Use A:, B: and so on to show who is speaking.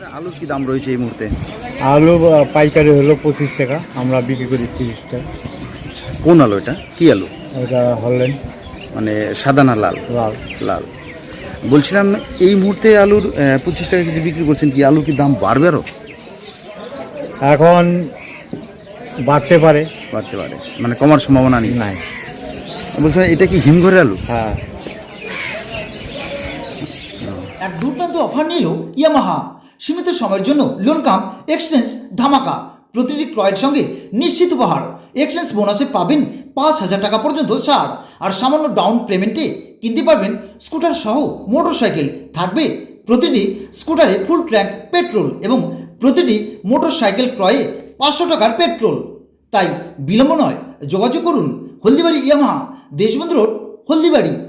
A: আলুর কি দাম রয়েছে এই মুহূর্তে?
B: আলু পাইকারি হলো 25 টাকা, আমরা বিক্রি করি 30 টাকা।
A: কোন আলু এটা? কি আলু?
B: এটা হলেন
A: মানে সাদা না লাল?
B: লাল।
A: লাল। বলছিলাম এই মুহূর্তে আলুর 25 টাকা কেজি বিক্রি করছেন, কি আলুর কি দাম বাড়বে আরও?
B: এখন বাড়তে পারে।
A: বাড়তে পারে মানে কমার সম্ভাবনা নেই?
B: নাই।
A: বলছিলাম এটা কি হিমঘরের আলু?
B: হ্যাঁ।
C: এক দুর্দান্ত অফার নিল ইয়ামাহা। সীমিত সময়ের জন্য লোন কাম এক্সচেঞ্জ ধামাকা। প্রতিটি ক্রয়ের সঙ্গে নিশ্চিত উপহার। এক্সচেঞ্জ বোনাসে পাবেন 5,000 টাকা পর্যন্ত ছাড়। আর সামান্য ডাউন পেমেন্টে কিনতে পারবেন স্কুটার সহ মোটরসাইকেল। থাকবে প্রতিটি স্কুটারে ফুল ট্যাঙ্ক পেট্রোল এবং প্রতিটি মোটরসাইকেল ক্রয়ে 500 টাকার পেট্রোল। তাই বিলম্ব নয়, যোগাযোগ করুন হলদিবাড়ি ইয়ামাহা, দেশবন্ধু রোড, হলদিবাড়ি।